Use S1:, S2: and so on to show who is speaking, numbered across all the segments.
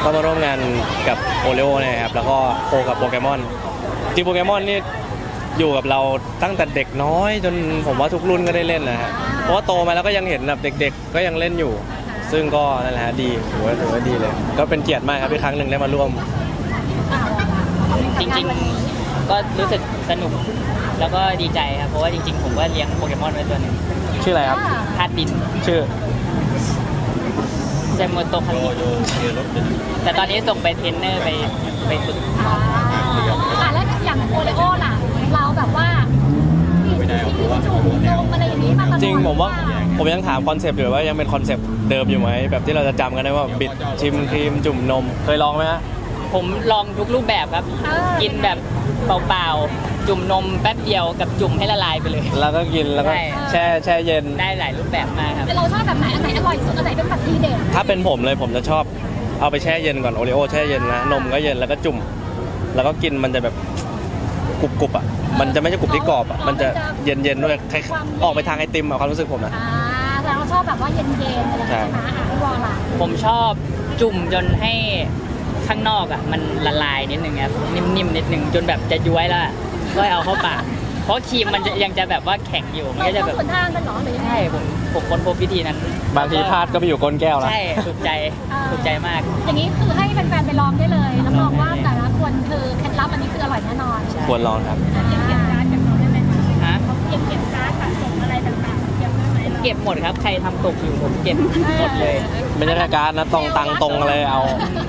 S1: ก็มาร่วมงานกับโอเลโอนะครับแล้วก็โคกับโปเกมอนจริงโปเกมอนนี่อยู่กับเราตั้งแต่เด็กน้อยจนผมว่าทุกรุ่นก็ได้เล่นนะฮะเพราะว่าโตมาแล้วก็ยังเห็นแบบเด็กๆก็ยังเล่นอยู่ซึ่งก็นั่นแหละดีถือว่าดีเลยก็เป็นเกียรติมากครับที่ครั้งหนึ่งได้มาร่วม
S2: จริงๆก็รู้สึกสนุกแล้วก็ดีใจครับเพราะว่าจริงๆผมก็เลี้ยงโปเกมอนไว้ตัวหนึ่ง
S1: ชื่ออะไรครับ
S2: ธาตุดิน
S1: ชื่อ
S2: เซมโมโตคันนิแต่ตอนนี้ส่งไปเทรนเนอร์ไปฝึก
S3: แล้วอย่างโอเลโอล่ะเราแบบว่าจุ่มนมอะไรอย่างนี้มาตลอด
S1: จริงผมยังถามคอนเซปต์อยู่ว่ายังเป็นคอนเซปต์เดิมอยู่ไหมแบบที่เราจะจำกันได้ว่าบิดชิมครีมจุ่มนมเคยลองไหมฮะ
S2: ผมลองทุกรูปแบบครับกินแบบเปล่าๆจุ่มนมแป๊บเดียวกับจุ่มให้ละลายไปเลย
S1: แล้วก็กินแล้วก็แช่เย็น
S2: ได้หลายรูปแบบมากครับ
S3: เราชอบแบบไหนอันไหนอร่อยสุดอันไหนเป็นแบบทีเด็ด
S1: ถ้าเป็นผมเลยผมจะชอบเอาไปแช่เย็นก่อนโอริโอแช่เย็นนะนมก็เย็นแล้วก็จุ่มแล้วก็กินมันจะแบบกรุบอ่ะมันจะไม่ใช่กรุบที่กรอบอ่ะมันจะเย็นด้วยออกไปทางไอติมอ่ะความรู้สึกผมนะ
S3: แต่เราชอบแบบว่าเย็นๆอะไรใช่ไหมพี่วอลล่ะ
S2: ผมชอบจุ่มจนให้ข้างนอกอ่ะมันละลายนิดนึงครับนิ่มๆนิดนึงจนแบบจะย้วยแล้วก็เอาเข้าปากเพราะครีมมันยังจะแบบว่าแข็งอยู่มันก็จะแบบ
S3: ส่วนทางกันหรอหรือยังไง
S2: ใช่ผมค้นพบวิธีนั้น
S1: บางทีพลาดก็ไปอยู่ก้นแก้วแล้ว
S2: ใช่ถูกใจมาก
S3: อย่างนี้คือให้แฟนๆไปลองได้เลยรับรองว่าแต่ละคนคือเคล็ดลับอันนี้คืออร่อยแน่นอน
S1: ควรลองครับ
S3: เก็บการ์ดจากเขาได้ไหมคะเก็บการ์ดสะสมอะไรต่างๆเก็บได้ไหม
S2: เก็บหมดครับใครทำตกอยู่ผมเก็บหมดเลย
S1: ไม่ใช่แค่การ์ดนะตรงตังตรงอะไรเอา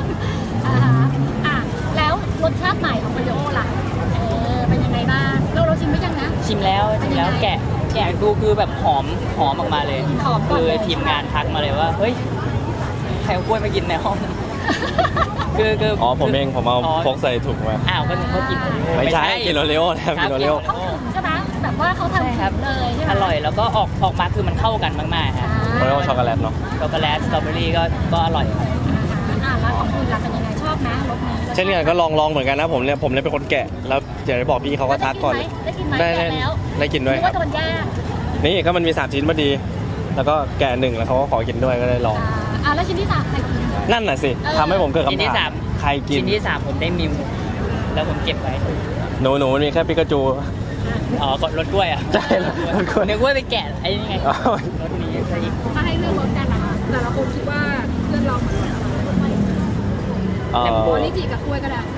S3: แล้วรสชาติใหม่ของโอริโอล่ะเป็นยังไงบ้างเราชิมไม่ยังนะ
S2: ชิมแล้วแกะดูคือแบบหอมออกมาเลยคือทีมงานทักมาเลยว่าเฮ้ยใครเอากล้วยมากินในห้องคือ
S1: อ๋อผมเองผมเอาพกใส่ถุงมา
S2: ก็นึกว่ากิน
S1: ไม่ใช่กินโอริโอนะครับกินโอริโอ
S3: เขาถึงใช่ไหมแบบว่าเขาทำครับเลยใช่ไหม
S2: อร่อยแล้วก็ออกมาคือมันเข้ากันมากๆครับ
S1: โอริโอช็อกโกแลตเนาะ
S2: ช็อกโกแลตสตรอเบอรี่ก็อร่อย
S3: แล้วของคุณล่ะเป็นยังไงชอบไหมรสนี้
S1: เช่นกันก็ลองเหมือนกันนะผมเนี่ยเป็นคนแกะแล้วอย่างที่บอกพี่เขาก็ทักก่อนได้กินด้วยครับนี่ก็มันมี3ชิ้นพอดีแล้วก็แกะ1แล้วเขาก็ขอกินด้วยก็ได้ลอง
S3: แล้วชิ้นที่3ใครกิน
S1: นั่นน่ะสิทำให้ผมเกิดคำถามใครกิน
S2: ชิ้นที่3ผมได้มิวแล้วผมเก็บไว้
S1: หนูมีแค่ปิกาจู
S2: ก็รสกล้วยอ่ะ
S1: ใช่รสกล้วย
S2: เนื้อกล้วยไปแกะไอ้นี่ไงรสนี้ใช่
S3: ถ้าให้เลือกรสกันนะคะแต่ละคนคิดว่าเลือกลองเหมือนกันแต่โอนิจิกับกล้วยก็ได้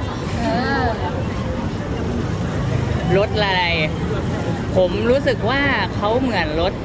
S2: รสอะไรผมรู้สึกว่าเขาเหมือนรส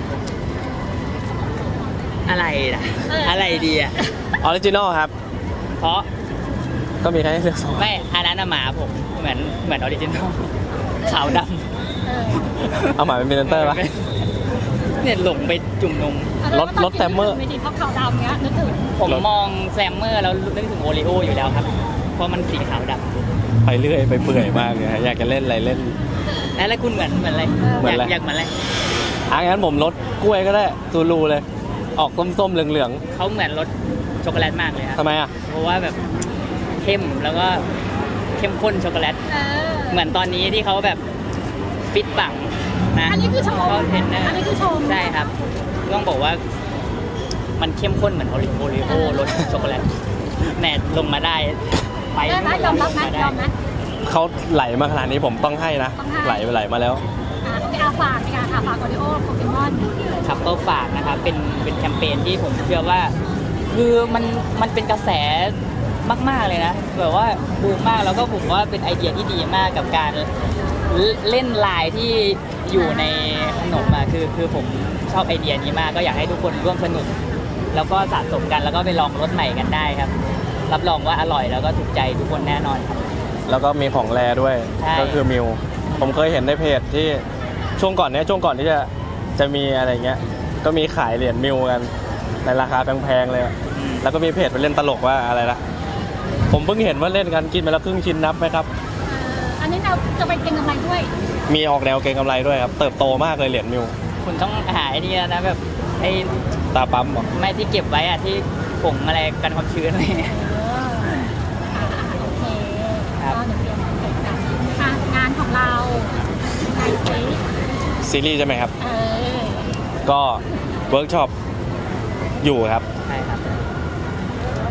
S2: อะไรล่ะอะไรดีอ่ะ
S1: ออริจินอลครับ
S2: เพราะ
S1: ก็มีแค่เลือก2
S2: ไม่อันนั้นหมาผมเหมือนออริจินอลขาวด
S1: ำเอาหมาเป็นพรีเซนเตอร์ป่ะ
S2: เนี่ยหลงไปจุ่มนม
S1: รถแซมเมอร์
S3: ไม่ดีเพราะขาวดำเนี้ยนึกถึง
S2: ผมมองแซมเมอร์แล้วนึกถึงโอริโออยู่แล้วครับเพราะมันสีขาวด
S1: ำไปเรื่อยไปเปื่อยมากเลยอยากจะเล่นอะไรเล่น
S2: แล้วคุณเหมือนอะไรอยากเหมือนอะไร
S1: งั้นผมรสกล้วยก็ได้ตูรูเลยออกส้มๆเหลือง
S2: ๆเขาเหมือนรสช็อกโกแลตมากเลยครับ
S1: ทำไมอ่ะ
S2: เพราะว่าแบบเข้มแล้วก็เข้มข้นช็อกโกแลตเหมือนตอนนี้ที่เขาแบบฟิตปังนะ
S3: อันนี้คือชม
S2: เขาเทรนเนอร์
S3: อันนี้คือชม
S2: ใช่ครับต้องบอกว่ามันเข้มข้นเหมือนโอริโอรสช็อกโกแลตแหนลงมาได้
S3: ไปได้ไหมยอมรับไหมยอมไหม
S1: เขาไหลมาขนาดนี้ผมต้องให้นะไหลมาแล้ว
S3: ฝากโอริโอโปเกมอน
S2: ครับก็ฝากนะครับเป็นแคมเปญที่ผมเชื่อว่าคือมันเป็นกระแสมากๆเลยนะแบบว่าบูมมากแล้วก็ผมว่าเป็นไอเดียที่ดีมากกับการเล่นลายที่อยู่ในขนมคือผมชอบไอเดียนี้มากก็อยากให้ทุกคนร่วมสนุกแล้วก็สะสมกันแล้วก็ไปลองรสใหม่กันได้ครับรับรองว่าอร่อยแล้วก็ถูกใจทุกคนแน่นอนครับ
S1: แล้วก็มีของแรด้วยก็คือมิวผมเคยเห็นในเพจที่ช่วงก่อนที่จะมีอะไรเงี้ยก็มีขายเหรียญมิวกันในราคาแพงๆเลยแล้วก็มีเพจไปเล่นตลกว่าอะไรละผมเพิ่งเห็นว่าเล่นกันกินไปแล้วครึ่งชิ้นนับไหมครับ
S3: อันนี้เราจะไปเก็งกำไรด้วย
S1: มีออกแนวเก็งกำไรด้วยครับเติบโตมากเลยเหรียญมิว
S2: คุณต้องหาไอ้นี่นะแบบไอ้
S1: ตาปั๊มหรอ
S2: ไม่ที่เก็บไว้อะที่ผงอะไรกันความชื้นอะไรเงี้ย
S3: โอเคครับเดี๋ยวเตรียมงานของเรา
S1: ซีรีส์ใช่ไหมครับก็เวิร์กช็อปอยู่ครับ
S2: ใช่ครับ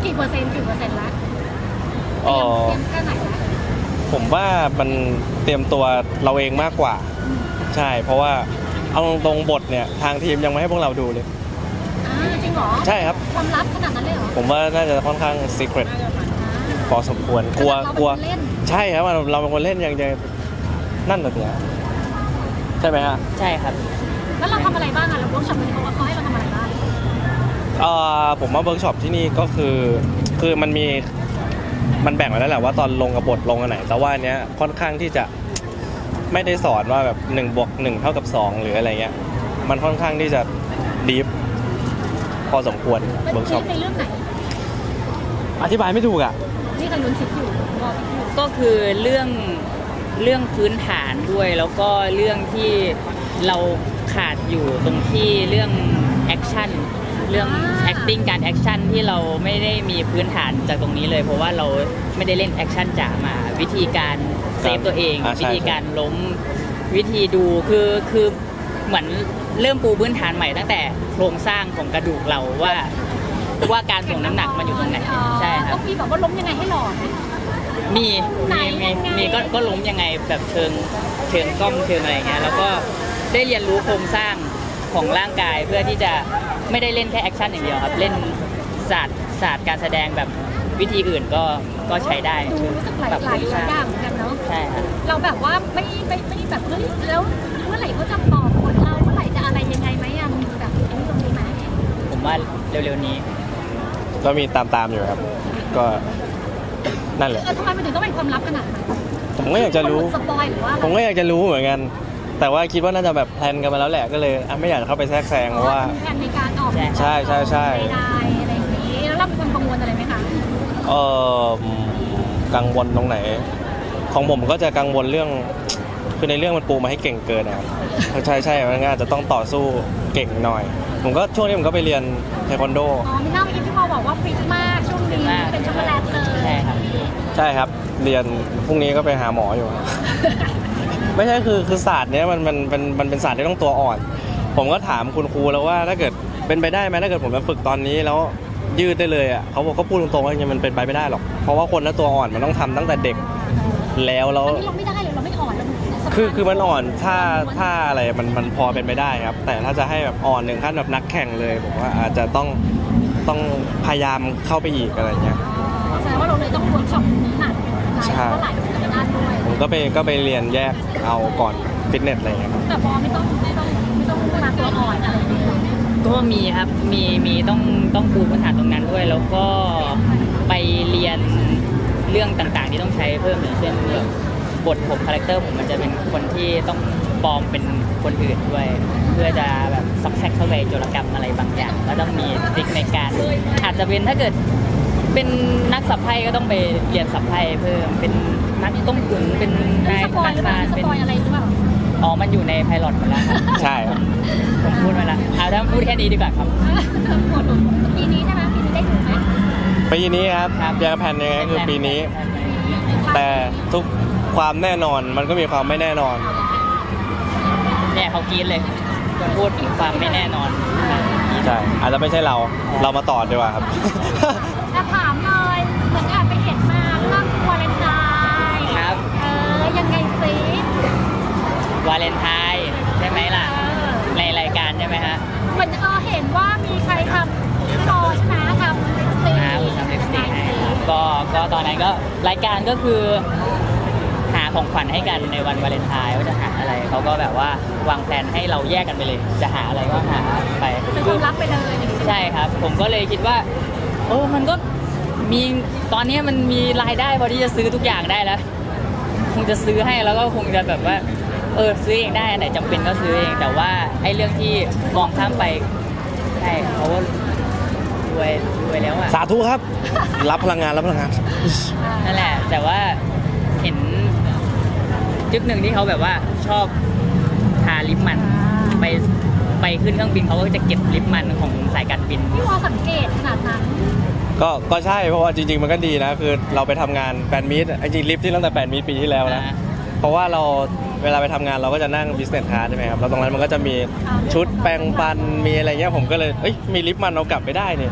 S3: กี่เปอร์เซ็นต์ละ
S1: เออ
S3: เตรียมแค่ไหนละ
S1: ผมว่ามันเตรียมตัวเราเองมากกว่า ใช่ เพราะว่าเอาตรงๆบทเนี่ยทางทีมยังไม่ให้พวกเราดูเลย
S3: จริงเหรอ
S1: ใช่ครับ
S3: ความลับขนาดนั้นเลยเหรอ
S1: ผมว่าน่าจะค่อนข้าง secret พอสมควรกลัว
S3: เรา
S1: กลัว
S3: เป็นคนเล่น
S1: ใช่ครับเราเป็นคนเล่นยังจะนั่นน่ะสิฮะใช่ไหมฮะ
S2: ใช่ครับ
S3: แล้วเราทำอะไรบ้างอะเราเวิร์กช็อปเขาให้เราทำอะไรบ้าง
S1: ผมว่าเวิร์กช็อปที่นี่ก็คือมันแบ่งไว้แล้วแหละว่าตอนลงกับบทลงอันไหน แต่ว่าอันเนี้ยค่อนข้างที่จะไม่ได้สอนว่าแบบ1+1เท่ากับ2หรืออะไรเงี้ยมันค่อนข้างที่จะดีฟพอสมควร
S3: เป็น
S1: เวิร์กช็อป
S3: ในเรื่องไหน
S1: อธิบายไม่ถูกอ่ะ
S3: นี่กำลังคิดอยู่รอคิดอยู่
S2: ก็คือเรื่องพื้นฐานด้วย แล้วก็เรื่องที่เราขาดอยู่ตรงที่เรื่องแอคชั่นเรื่อง acting การแอคชั่นที่เราไม่ได้มีพื้นฐานจากตรงนี้เลย เพราะว่าเราไม่ได้เล่นแอคชั่นจ๋ามาวิธีการเซฟตัวเอง
S1: ใช่
S2: วิธีการล้มวิธีดูคือเหมือนเริ่มปูพื้นฐานใหม่ตั้งแต่โครงสร้างของกระดูกเราว่าการส่งน้ำหนักมันอยู่ตรงไหนใช่ค
S3: ก็
S2: รับ
S3: มีแบบว่าล้มยังไงให้หล่อไหม
S2: มี
S3: ไหน
S2: มี
S3: ยังไง
S2: มีก็ล้มยังไงแบบเชิงกล้องเชิงอะไรอย่างเงี้ยแล้วก็ได้เรียนรู้โครงสร้างของร่างกายเพื่อที่จะไม่ได้เล่นแค่แอคชั่นอย่างเดียวครับ เล่นศาสตร์การแสดงแบบวิธีอื่นก็ใช้ได้
S3: ดูรู้สึกหลาย
S2: แบบ
S3: หลายอย่างเหมือนกันเนาะ
S2: ใช่ครับ
S3: เราแบบว่าไม่แบบเฮ้ยแล้วเมื่อไหร่เขาจะบอกบทเราเมื่อไหร่จะอะไรยังไงไหมอะมีแบบไอ้นี่ตรงนี้ไหม
S2: ผมว่าเร็วๆนี้
S1: ก็มีตามอยู่ครับ ก็นั่นแหละ
S3: ทำไมมันถึงต้องเป็นความลับขนาดนั้น
S1: ผมก็อยากจะรู้
S3: สปอยหรือว่าอะไร
S1: ผมก็อยากจะรู้เหมือนกัน แต่ว่าคิดว่าน่าจะแบบแพลนกันมาแล้วแหละก็เลยไม่อยากเข้าไปแทรกแซงเพราะว่า
S3: มีแผนในการออก
S1: ใช่ใช่ใช่
S3: ได้อะไรอย่างนี้แล้วเราเป็นคนกังวลอะไรไหมคะ
S1: เออกังวลตรงไหน ของผมก็จะกังวลเรื่อง คือในเรื่องมันปูมาให้เก่งเกินนะครับใช่มันอาจจะต้องต่อสู้เก่งหน่อย ผมก็ช่วงนี้ผมก็ไปเรียนเทควันโด
S3: อ๋อมีหน้าเมื่อกี้พี่พอบอกว่าฟิตมากช่วงนี้เป็นช็อกโกแลตเลย
S2: ใช่ครับ
S1: ใช่ครับ เรียนพรุ่งนี้ก็ไปหาหมออยู่ ไม่ใช่คือศาสตร์เนี้ยมันเป็นศาสตร์ที่ต้องตัวอ่อน ผมก็ถามคุณครูแล้วว่าถ้าเกิดเป็นไปได้ไหมถ้าเกิดผมจะฝึกตอนนี้แล้วยืดได้เลยอ่ะเขาบอกก็พูดตรงๆว่าจริงๆมันเป็นไปไม่ได้หรอกเพราะว่าคนละตัวอ่อนมันต้องทำตั้งแต่เด็กแล้ว
S3: อันนี้เราไม่ได้เลยเราไม่อ่อนเรา
S1: คือมันอ่อนถ้าอะไรมันพอเป็นไปได้ครับ แต่ถ้าจะให้แบบอ่อนถึงขั้นแบบนักแข่งเลยผมว่าอาจจะต้องพยายามเข้าไปอีกอะไรเงี้ย
S3: แสดงว่าเราเลยต้องเวิร์กช็อปนี้หนัก
S1: ใช่
S3: เท่าไหร่จะไปได้ด้วย
S1: ผมก็ไปเรียนแยกเอาก่อนฟิตเนสอะไรเงี้ยครับ
S3: แต่พอไม่ต้องมาตัวอ่อนอะไรอย่างเงี้ย
S2: ก็มีครับมีต้องปูพื้นฐานตรงนั้นด้วย แล้วก็ไปเรียนเรื่องต่างๆที่ต้องใช้เพิ่มอย่างเช่นแบบบทผมคาแรคเตอร์ผมมันจะเป็นคนที่ต้องปลอมเป็นคนอื่นด้วย เพื่อจะแบบซอกแซกเข้าไปโจรกรรมอะไรบางอย่างแล้วต้องมีทริคในการอาจจะเป็นถ้าเกิดเป็นนักสับไพ่ก็ต้องไปเรียนสับไพ่เพิ่มเป็นนักต้มตุ๋นเป็นนาย
S3: สปอยหรือเปล่า
S2: เป็น
S3: สปอยอะไรหรือเปล่า
S2: อ๋อมันอยู่ในไพลอตหมดแล้วครับ
S1: ใช่ครับ
S2: ผมพูดมาแล้วเอาถ้าพูดแค่นี้ดีกว่าครับ
S3: ปีนี้ใช่ไหมปีนี้ได้ดูไหม
S1: ปีนี้ครับ
S2: ครับ
S1: ยังแผนยังไงก็คือปีนี้ แต่ทุกความแน่นอนมันก็มีความไม่แน่นอน
S2: เนี่ยเขากรีดเลยคนพูดถึงความไม่แน่นอน
S1: ใช่อาจจะไม่ใช่เรามาต่อดีกว่าครับ
S3: แต่ถามเลยเหมือนแอบไปเห็นมาเรื่องวาเลนไทน์
S2: ครับ
S3: ยังไงซิ
S2: วาเลนไทน์ใช่ไหมล่ะ ในรายการใช่ไหมฮะ
S3: เหมือนเห็นว่ามีใครทำรอชนะทำลิปสติก
S2: ทำลิปสติกให้ครับก็ตอนนั้นก็รายการก็คือหาของขวัญให้กันในวันวาเลนไทน์ว่าจะหาอะไรเขาก็แบบว่าวางแผนให้เราแยกกันไปเลย จะหาอะไรก็หาไป
S3: เป็นความลับไปเลยอย่างนี้ใช่ไหม
S2: ใช่ครับ ผมก็เลยคิดว่ามันก็มีตอนนี้มันมีรายได้พอที่จะซื้อทุกอย่างได้แล้ว คงจะซื้อให้แล้วก็คงจะแบบว่าซื้อเองได้อันไหนจำเป็นก็ซื้อเองแต่ว่าไอ้เรื่องที่มองข้ามไปใช่เพราะว่ารวยแล้วอ่ะ
S1: สาธุครับ รับพลังงาน
S2: นั่นแหละ แต่ว่าเห็นจุดหนึ่งที่เขาแบบว่าชอบทาลิปมันไปขึ้นเครื่องบินเขาก็จะเก็บลิปมันของสายการบิน
S3: พี่วอสังเกตขนาดนั้น
S1: ก็ใช่เพราะว่าจริงๆมันก็ดีนะคือเราไปทำงานแฟนมีตจริงๆลิฟต์ที่ตั้งแต่แฟนมีตปีที่แล้วนะ เพราะว่าเราเวลาไปทำงานเราก็จะนั่ง business class ใช่ไหมครับแล้วตรงนั้นมันก็จะมีชุดแปรงฟันมีอะไรเงี้ยผมก็เลยมีลิปมันเอากลับไปได้เนี่ย
S2: อ่า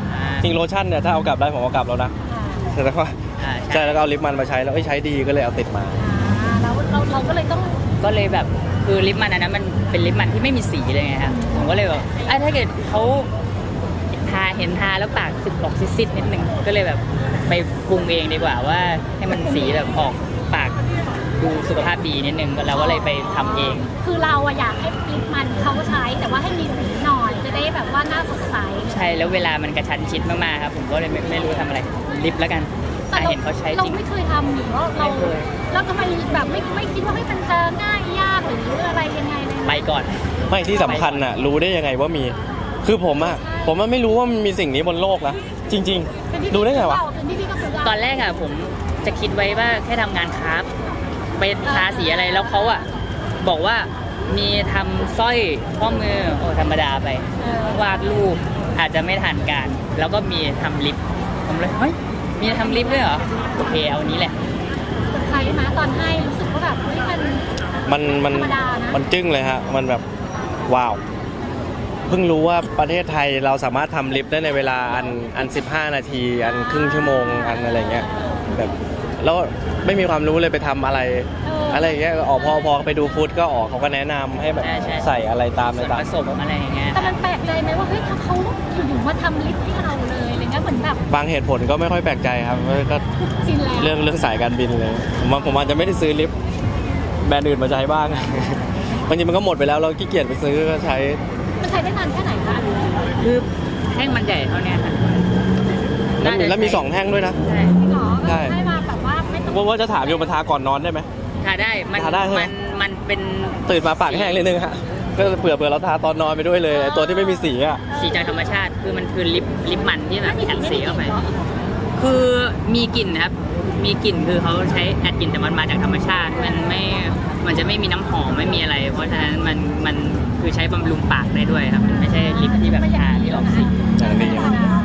S1: จริงโลชั่นเนี่ยถ้าเอากลับได้ผมเอากลับแล้วนะ
S3: อ่า
S1: แต่ว่า
S2: ใช่
S1: ใช่แล้วก็เอาลิปมันมาใช้แล้วใช้ดีก็เลยเอาติดมา
S3: แล้วเราก็เลยต้อง
S2: ก็เลยแบบคือลิปมันอันนั้นมันเป็นลิปมันที่ไม่มีสีเลยไงครับผมก็เลยแบบถ้าเกิดเขาเห็นทาแล้วปากออกซิดๆนิดนึงก็เลยแบบไปปรุงเองดีกว่าว่าให้มันสีแบบออกปากดูสุขภาพดีนิดนึงเราก็เลยไปทำเอง
S3: คือเราอะอยากให้ลิปมันเขาใช้ แต่ว่าให้มีสีหน่อยจะได้แบบว่าหน้าสดใส
S2: ใช่แล้วเวลามันกระชั้นชิดมากๆครับผมก็เลยไม่รู้ทำอะไรลิปแล้วกัน
S3: แต่
S2: เห็นเขาใช้
S3: เรา
S2: จริง
S3: ไม่เคยทำหรือว่าเรา
S2: ไม่เคย
S3: แล้วทำไมแบบไม่คิดว่าให้มันจะง่ายยากหรืออะไรยังไงเลยนะ
S2: ไปก่อน
S1: ไม่ที่สำคัญน่ะรู้ได้ยังไงว่ามีคือผมไม่รู้ว่ามันมีสิ่งนี้บนโลกนะจริง
S3: เป็นพี่
S1: ๆ ดูได้ไงวะ
S3: เป็นพี่ก็ซื้อ
S2: ตอนแรกผมจะคิดไว้ว่าแค่ทำงานคราฟต์ไปทาสีอะไรแล้วเขาบอกว่ามีทำสร้อยข้อมือโอ้ธรรมดาไป วาดรูปอาจจะไม่ทันการ แล้วก็มีทำลิปผมเลยเฮ้ยมีทำลิปด้วยเหรอโอเคเอานี้แหละ
S3: เซอร์ไพรส์นะตอนให้รู้สึกว่าแบบเฮ้ยมัน
S1: มัน
S3: ธรรมดานะ
S1: มันจึ้งเลยฮะมันแบบว้าวเพิ่งรู้ว่าประเทศไทยเราสามารถทำลิฟต์ได้ในเวลาอัน15 นาทีอันครึ่งชั่วโมงอันอะไรเงี้ยแบบแล้วไม่มีความรู้เลยไปทำอะไรอะไรอย่างเงี้ยออกพอไปดูฟู้ดก็ออกเขาก็แนะนำให้แบบ
S2: ใช่
S1: ใส่อะไรตาม
S2: ส่
S1: ใน
S2: วน
S1: ตาม
S2: ผสมอะไรอย่างเงี้ย
S3: แต่มันแปลกใจไหมว่าเฮ้ยเขาอยู่ๆมาทำลิปให้เราเลยอะไรเงี้ยเหมือนแบบ
S1: บางเหตุผลก็ไม่ค่อยแปลกใจครับก็
S3: ชินแล้ว
S1: เรื่องสายการบินเลยผมอาจจะไม่ได้ซื้อลิฟต์แบรนด์อื่นมาใช้บ้าง บางทีมันก็หมดไปแล้วเราขี้เกียจไปซื้อก็ใช้
S3: มันใช้ได้นานแค่ไหนคะ
S2: คือแท่งมันใหญ่เท่าเนี้ยค่ะน่าจะ
S1: แล้วมี
S2: ใช้
S1: 2 แท่งด้วยนะ
S2: ใช่
S3: จริงเหรอ
S1: ใช่
S3: ให้มาแบบว่าไม่ต้อง
S1: ว่าจะถามอยู่มาทาก่อนนอนได้ไหม
S2: ทาได้มัน
S1: ทาได้ใช่ไหม
S2: มันเป็น
S1: ตื่นมาปากแห้งเลยนึงฮะก็เผื่อเราทาตอนนอนไปด้วยเลยไอ้ตัวที่ไม่มีสีอ่ะ
S2: สีจากธรรมชาติคือมันคือลิปมันที่แบบ
S3: ไม่มี
S2: แอด
S3: ไม่
S2: สี
S3: มี
S2: เข้าไป
S3: เหรอ
S2: คือมีกลิ่นนะครับ มีกลิ่นคือเขาใช้แอดกลิ่นแต่มันมาจากธรรมชาติ มันจะไม่มีน้ำหอมไม่มีอะไร เพราะฉะนั้นมันคือใช้บำรุงปากได้ด้วยครับมันไม่ใช่ลิปที่แบบทาที่ออกสี
S1: อย่างดี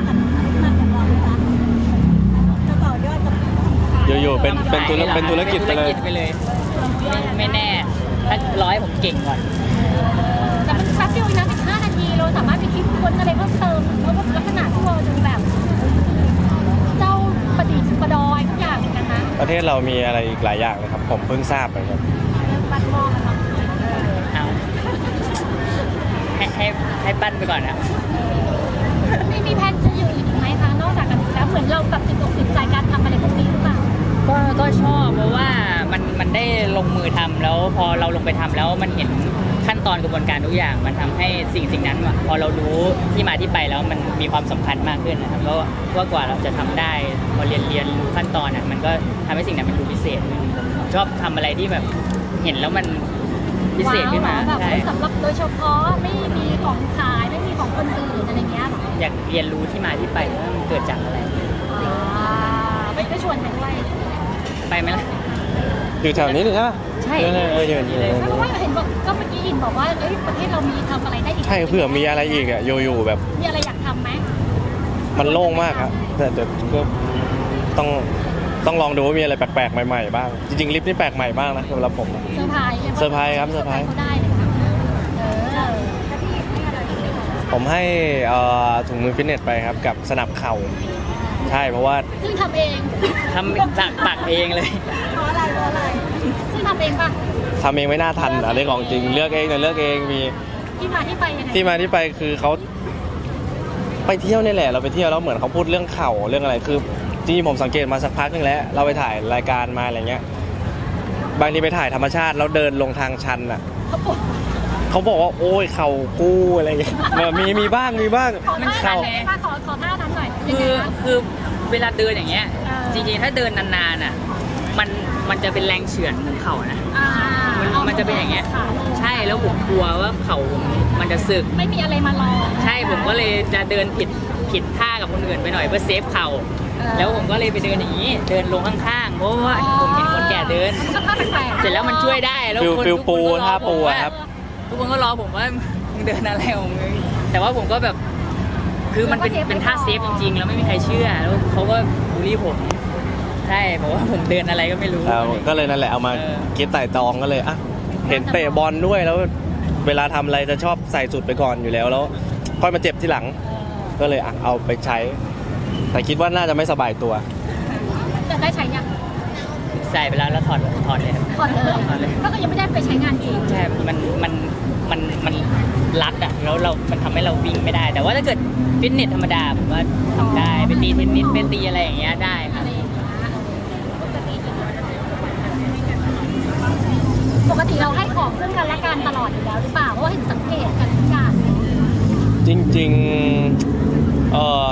S1: อยู่ๆเป็นธุรกิจไปเลย
S2: ไม่แน่ถ้าร้อยผมเก่งก่อน
S3: แต่มันแป๊บเดียวเองนะ15 นาทีเราสามารถไปคิดค้นอะไรเพิ่มเติมแล้วก็ลักษณะที่เราดูแบบ เจ้าประดิษฐ์ประดอยทุกอย่างเหมือนกันนะ
S1: ประเทศเรามีอะไรอีกหลายอย่างเลยครับ ผมเพิ่งทราบไปครับ
S3: เรื่องบัตรมองกันเนาะ
S2: เอาให้ปั้นไปก่อนนะ
S3: มีแพลนจะอยู่อีกไหมคะนอกจากกันแล้วเหมือนเราแบบติดอกติดใจการทำอะไรพวกนี้หรือเปล่า
S2: ก็ชอบเพราะว่ามันได้ลงมือทำแล้วพอเราลงไปทำแล้วมันเห็นขั้นตอนกระบวนการทุกอย่างมันทำให้สิ่งนั้นพอเรารู้ที่มาที่ไปแล้วมันมีความสำคัญมากขึ้นนะครับแล้วว่ากว่าเราจะทำได้พอเรียนรู้ขั้นตอนมันก็ทำให้สิ่งนั้นมันดูพิเศษขึ้นผมชอบทำอะไรที่แบบเห็นแล้วมันพิเศษขึ้นมา
S3: ว้าวแบบ
S2: ใช่
S3: สำหรับโดยเฉพาะไม่มีของขายไม่มีของคนอื่นอะไรเงี้ยหรอ
S2: อยากเรียนรู้ที่มาที่ไปว่ามันเกิดจากอะไร
S3: ไม่ชวนไปด้วย
S2: ไปไหมล่ะ
S1: อยู่แถวนี้เลยใช่ไหม
S2: ใช่
S1: อยู่เลย
S3: เพราะว่าเห็นบอกก็เมื่อกี้อินบอกว่าเอ้ยประเทศเรามีทำอะไรได้อีก
S1: ใช่เผื่อมีอะไรอีกอ่ะอยู่ๆแบบ
S3: มีอะไรอยากทำไหม
S1: มันโล่งมากครับแต่ก็ต้องลองดูว่ามีอะไรแปลกๆใหม่ๆบ้างจริงๆลิฟต์นี่แปลกใหม่มากนะสำหรับผม
S3: เซอร์ไพรส์
S1: เซอร์ไพรส์ครับเซอร์ไพรส์
S3: เขาได้เลยค่ะ
S1: ผมให้ถุงมือฟิตเนสไปครับกับสนับเข่าใช่เพราะว่า
S3: ซึ่งทำเอง
S2: ทำจากปากเองเลย
S3: เพราะอะไรซึ่งทำเองป่ะ
S1: ทำเองไม่น่าทันอันนี้ของจริงเลือกเองเนี่ยเลือกเองมี
S3: ที่มาที่ไปยังไง
S1: ที่มาที่ไปคือเขาไปเที่ยวนี่แหละเราไปเที่ยวแล้วเหมือนเขาพูดเรื่องเข่าเรื่องอะไรคือจริงๆผมสังเกตมาสักพักนึงแล้วเราไปถ่ายรายการมาอะไรเงี้ยบางทีไปถ่ายธรรมชาติแล้วเดินลงทางชันอ่ะ
S3: เขาปวด
S1: เขาบอกว่าโอ้ยเข่ากู้อะไรเงี้ยมีบ้าง
S3: ขอ
S2: มัน
S3: ท่า
S2: เข่า
S3: นั้นเลยขอท่านั้นหน่อย
S2: คือเวลาเดินอย่างเงี้ย
S3: เออ
S2: จริงๆถ้าเดินนานๆอ่ะมันจะเป็นแรงเฉือนของเข่านะ มันจะเป็นอย่างเงี้ย ใช่แล้วผมกลัวว่าเข่าผมมันจะสึก
S3: ไม่มีอะไรมารอ
S2: ใช่ผมก็เลยจะเดินผิดท่ากับคนอื่นไปหน่อยเพื่อเซฟเข่า
S3: เออ
S2: แล้วผมก็เลยไปเดินอย่างนี้ เดินลงข้างๆเพราะว่าผมเห็นคนแก่เดิน
S3: ก็ท่าแปลกๆ
S2: เสร็จแล้วมันช่วยได้แล้ว
S1: ฟิล
S2: ทุก
S1: ปู
S2: คนก็รอ
S1: ท่า
S2: ผ
S1: ปู
S2: มว่า
S1: อะครับ
S2: ทุกคนก็รอผมว่ามึงเดินอะไรของมึงแต่ว่าผมก็แบบคือมันเป็นท่าเซฟจริงๆ แล้วไม่มีใครเชื่อแล้วเขาก็บูลลี่ผมใช่บอกว่าผมเดินอะไรก็ไม่รู้
S1: ก็เลยนั่นแหละเอามาคิดไต่ตองก็เลยอ่ะเห็นเตะบอลด้วยแล้วเวลาทำอะไรจะชอบใส่สุดไปก่อนอยู่แล้วค่อยมาเจ็บทีหลัง ก็เลยอ่ะเอาไปใช้แต่คิดว่าน่าจะไม่สบายตัว
S3: จะได้ใช้ยัง
S2: ใส่ไปแล้วถอดเลยครับ
S3: ก่อนเลยก็คือยังไม่ได้ไปใช้งานจริง
S2: ใช่มันรัดอ่ะแล้วมันทำให้เราวิ่งไม่ได้ แต่ว่าถ้าเกิดฟิตเนสธรรมดาผมว่าทำได้ไปตีเทนนิสไปตีอะไรอย่างเงี้ยได้ครับ
S3: อะไรอย่างเงี้ยปกติเราให้ของซึ่งกันและกันตลอดอยู่แล้วหรือเปล่าเพราะว่าเห็นสังเกตกันทุกอย่าง
S1: จริงๆ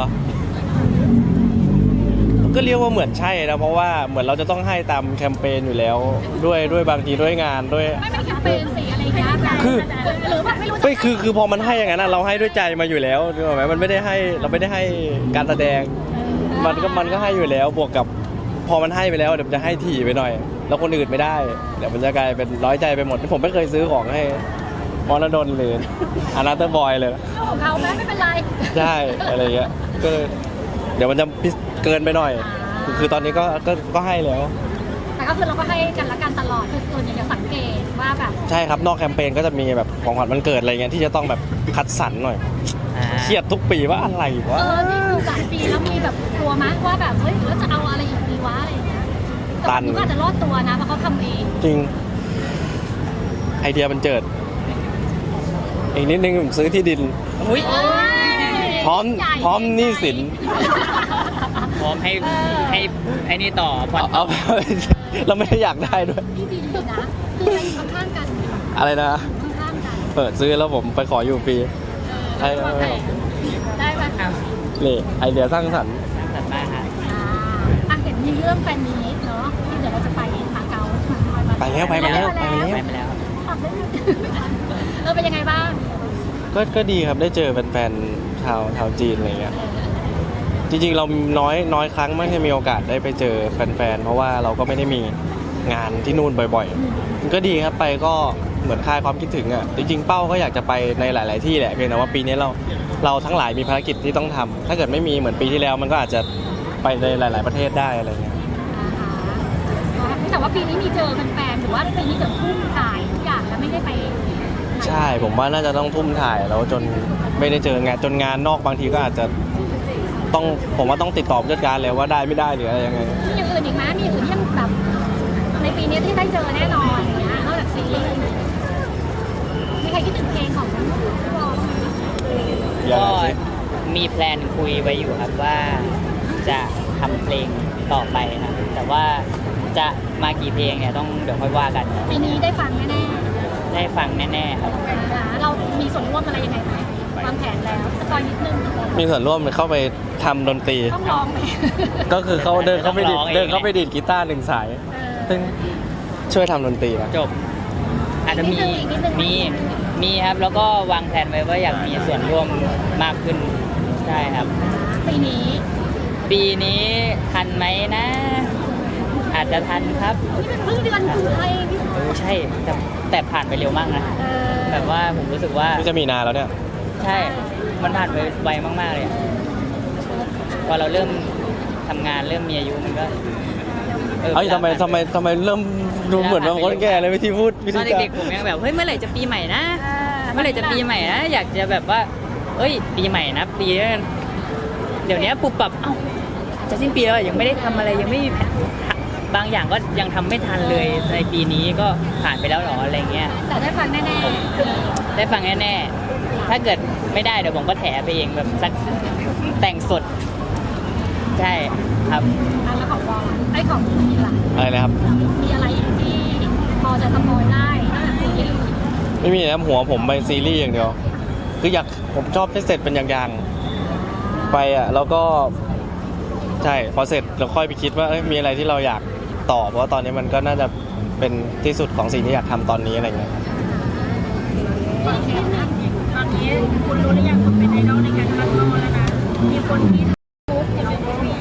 S1: ก็เรียกว่าเหมือนใช่นะเพราะว่าเหมือนเราจะต้องให้ตามแคมเปญอยู่แล้วด้วยบางทีด้วยงานด้วย
S3: ไม่แคมเปญสีอะไรอย่างเงี้ย
S1: คือ
S3: หรือแบบไม่รู้จะ
S1: ไม่คือพอมันให้อย่างนั้นอะเราให้ด้วยใจมาอยู่แล้วนึกออกไหมมันไม่ได้ให้เราไม่ได้ให้การแสดงมันก็ให้อยู่แล้วบวกกับพอมันให้ไปแล้วเดี๋ยวมันจะให้ถี่ไปหน่อย แล้วคนอื่นไม่ได้เดี๋ยวมันจะกลายเป็นร้อยใจไปหมดผมไม่เคยซื้อของให้มรดลหรืออนาเตอร์บอยเลย
S3: เรื่องของเขาไหมไม่เป็นไร
S1: ใช่อะไรเงี้ยก็เดี๋ยวมันจะเกินไปหน่อย คือตอนนี้ก็ให้แล้ว
S3: แต่ก็คือเราก็ให้กันและกันตลอดคือส่วนใหญ่จะสังเกตว่าแบบ
S1: ใช่ครับนอกแคมเปญก็จะมีแบบของขวัญวันเกิดอะไรเงี้ยที่จะต้องแบบคัดสรรหน่อยเครียดทุกปีว่าอะไรวะ
S3: นี่คือหลายปีแล้วมีแบบกลัวมั้ยว่าแบบเฮ้ยแล้วจะเอาอะไรอีกดีวะอะไรอย่างเงี้ยแต่วันนี้ก็อาจจะรอดตัวนะเพราะเขาทำเอง
S1: จริงไอเดียมันเจิดอีกนิดนึงผมซื้อที่ดิน
S2: อุ้ย
S1: พร้อมหนี้สิน
S2: พร้อมให้ไอ้นี่ต่อผ่อน
S1: เอาเราไม่ได้อยากได้ด้วย
S3: ที่ดินเลยนะคือมันข้างๆกัน
S1: อะไรนะ
S3: ข้างๆกัน
S1: เปิดซื้อแล้วผมไปขออยู่ฟรีใช่
S3: ได้ไหม
S2: อ้าว
S1: นี่ไอเดียสร้างสรรค์
S2: สร้างสรรค์มากครับ
S3: เห็นมีเรื่องแฟนมีตเนาะที่เดี๋ยวเราจะไปมาเก๊า
S1: ไปแล้วไปมาแล้ว
S2: ไปมาแล้วครับ
S3: เป็นยังไงบ้าง
S1: ก็ดีครับได้เจอแฟนๆชาวจีนอะไรเงี้ยจริงๆเราน้อยครั้งไม่ได้มีโอกาสได้ไปเจอแฟนๆเพราะว่าเราก็ไม่ได้มีงานที่นู่นบ่อยๆมันก็ดีครับไปก็เหมือนคลายความคิดถึงอ่ะจริงๆเป้าก็อยากจะไปในหลายๆที่แหละเพียงแต่ว่าปีนี้เราทั้งหลายมีภารกิจที่ต้องทำถ้าเกิดไม่มีเหมือนปีที่แล้วมันก็อาจจะไปในหลาย ๆประเทศได้อะไรเงี้ย
S3: แต่ว่าปีนี้มีเจอแฟนๆหรือว่าปีนี้เกิดพุ่งถ่ายทุกอย่างแล้วไม่ได้ไป
S1: ใช่ผมว่าน่าจะต้องทุ่มถ่ายแล้วจนไม่ได้เจองานจนงานนอกบางทีก็อาจจะต้องผมว่าต้องติดต่อผู้จัดการเลยว่าได้ไม่ได้หรืออะไรยังไง
S3: มีอย่างอื่นอีกไหมมีอย่างอื่นที่ยังแบบในปีนี้ที่ได้เจอแน่นอนอย่างเงี้ยนอกจากซีรีส์มีใครคิดถึงเพลงของพี่บอล
S1: ยัง
S2: ก็
S1: ไงสิ
S2: มีแพลนคุยไว้อยู่ครับว่าจะทำเพลงต่อไปครับแต่ว่าจะมากี่เพลงเนี่ยต้องเดี๋ยวค่อยว่ากัน
S3: ปีนี้ได้ฟังแน่
S2: ได้ฟังแน่ๆครับ
S3: ๆเรามีส่วนร่วมอะไรยังไงไหมวางแผนแล้วสปอยนิดนึง
S1: มีส่วนร่วมเข้าไปทำดนตรี
S3: ต้องร้องไหม
S1: ก็คือเขาเดินเข้าไปดีดกีตาร์หนึ่งสาย ซึ่งช่วยทำดนตรีนะ
S2: จบ อาจจะมีครับแล้วก็วางแผนไว้ว่าอยากมีส่วนร่วมมากขึ้นใช่ครับ
S3: ปีนี้
S2: ปีนี้ทันไหมนะ อาจจะทันครับ
S3: นี่เป็นเพิ่งเดือนกุมภาพันธ์พี่
S2: ใช่แต่ผ่านไปเร็วมากนะแบบว่าผมรู้สึกว่า
S1: นี่จะมีนาแล้วเนี่ย
S2: ใช่ มันผ่านไปไวมากๆเลยอะพอเราเริ่มทำงานเริ่มมีอายุมันก็
S1: เอ้ยทำไมเริ่มดูเหมือนว่าคนแก่เลยวิธีพูดวิ
S2: ต
S1: ธี
S2: อน
S1: จา
S2: เด็กๆผมยังแบบเฮ้ยเมื่อไหร่จะปีใหม่นะ เมื่อไหร่จะปีใหม่นะอยากจะแบบว่าเอ้ยปีใหม่นะปีนี้เดี๋ยวนี้ปุบปับเอ้าจะสิ้นปีแล้วยังไม่ได้ทำอะไรยังไม่มีแผนบางอย่างก็ยังทำไม่ทันเลยในปีนี้ก็ผ่านไปแล้วหรออะไรเงี้ย
S3: แต่ได้ฟังแน่
S2: ได้ฟังแน่ๆถ้าเกิดไม่ได้เดี๋ยวผมก็แถไปเองแบบสักแต่งสดใช่ครับ
S3: ๆแล้วของวอลไอ้ของมีล่ะ
S1: อะไรนะครับ
S3: มีอะไรอีกที่พอจะสปอยได้นอกจากซีรีส์
S1: ไม่มีนะหัวผมไปซีรีส์อย่างเดียว คือผมชอบให้เสร็จเป็นอย่างๆไปอ่ะแล้วก็ใช่พอเสร็จเราค่อยไปคิดว่ามีอะไรที่เราอยากต่อเพราะว่าตอนนี้มันก็น่าจะเป็นที่สุดของสิ่งที่อยากทำตอนนี้อะไรเงี้ย
S3: ตอนนี้คุณรู้หรือยังคุณเป็นไอดอลในการคัดโลแล้วนะมีคนที่ทุกอย่าง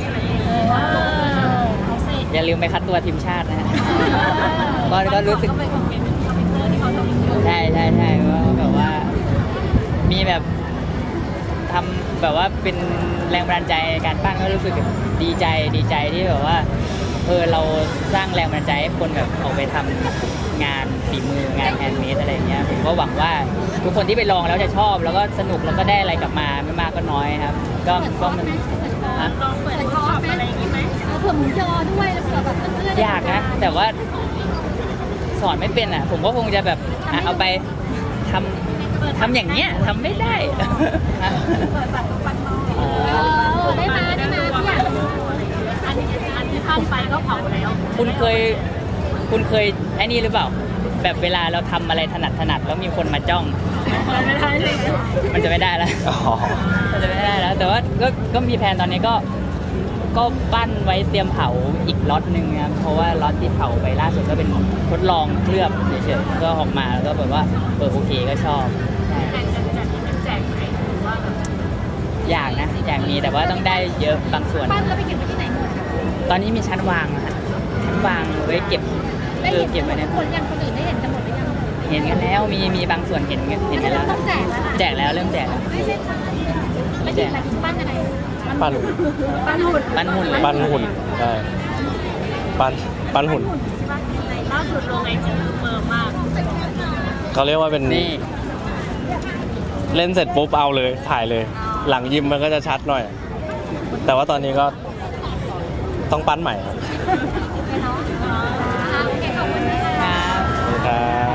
S3: เอาสิ
S2: อย่าลืมไปคัดตัวทีมชาตินะฮะ ก็รู้สึก
S3: เขาเป็นคอมเมนต์ที่เขาทำ
S2: ใช่ว่าแบบว่ามีแบบทำแบบว่าเป็นแรงบันดาลใจในการปั้นก็รู้สึกดีใจที่แบบว่าเราสร้างแรงบันดาลใจให้คนแบบออกไปทำงานฝีมืองานแฮนด์เมดอะไรอย่างเงี้ยผมก็หวังว่าทุกคนที่ไปลองแล้วจะชอบแล้วก็สนุกแล้วก็ได้อะไรกลับมาไม่มากก็น้อยครับก็มัน
S3: ลองเปิดคอร์สอะไรอย่างงี้ไหมเผื่อหมูยอด้วยแล้วเผื่อแบบเพื่อนๆ
S2: อยากนะแต่ว่าสอนไม่เป็นอ่ะ ผมก็คงจะแบบเอาไปทำอย่างเงี้ยทำไม่ได้
S3: ได้มาพี่อยากอันที่ทำไปก็เผาแล้ว
S2: คุณเคยไอ้นี่หรือเปล่า แบบเวลาเราทำอะไรถนัดแล้วมีคนมาจ้อง
S3: ไม่ได้เลย
S2: มันจะไม่ได้แล้ว
S1: อ๋อ
S2: มันจะไม่ได้แล้ว แต่ว่าก็มีแผนตอนนี้ก็ปั้นไว้เตรียมเผาอีกล็อตหนึ่งครับเพราะว่าล็อตที่เผาไปล่าสุดก็เป็นทดลองเคลือบเฉยๆก็ออกมาแล้วก็แบบว่าโอเคก็ชอบอยากนะอยากมีแต่ว่าต้องได้เยอะบางส่วน
S3: ปั้นแล้วไปเก็บไว้ที่ไหนหมด
S2: ตอนนี้มีชั้นวางอะฮะชั้นวางไว้เก็บ
S3: ได้
S2: คือ
S3: เห็น
S2: เก็บไว้ใน
S3: คนยังคนอื่นได้เห็นกันหมดหรือยัง
S2: เห็นกันแล้วมีบางส่วนเห็นกันแล้ว
S3: ต้องแจกแล้วล่ะ
S2: แจกแล้วเริ่มแจกแล้ว
S3: ไม่ใช่ไม่ใช่อะไรปั้นอะไร
S1: ปั้น
S3: ปั้นหุ่น
S2: ปั้นหุ่นเลย
S1: ปั้นหุ่นใช่ปั้นหุ่น
S3: ล่าสุดลงไอจีเฟิร์มมาก
S1: เขาเรียกว่าเป็น
S2: นี่
S1: เล่นเสร็จปุ๊บเอาเลยถ่ายเลย หลังยิมมันก็จะชัดหน่อย แต่ว่าตอนนี้ก็ต้องปั้นใหม่ครับ
S3: โอเคขอบคุณนะคะ
S2: ครับ
S1: ขอบคุณครับ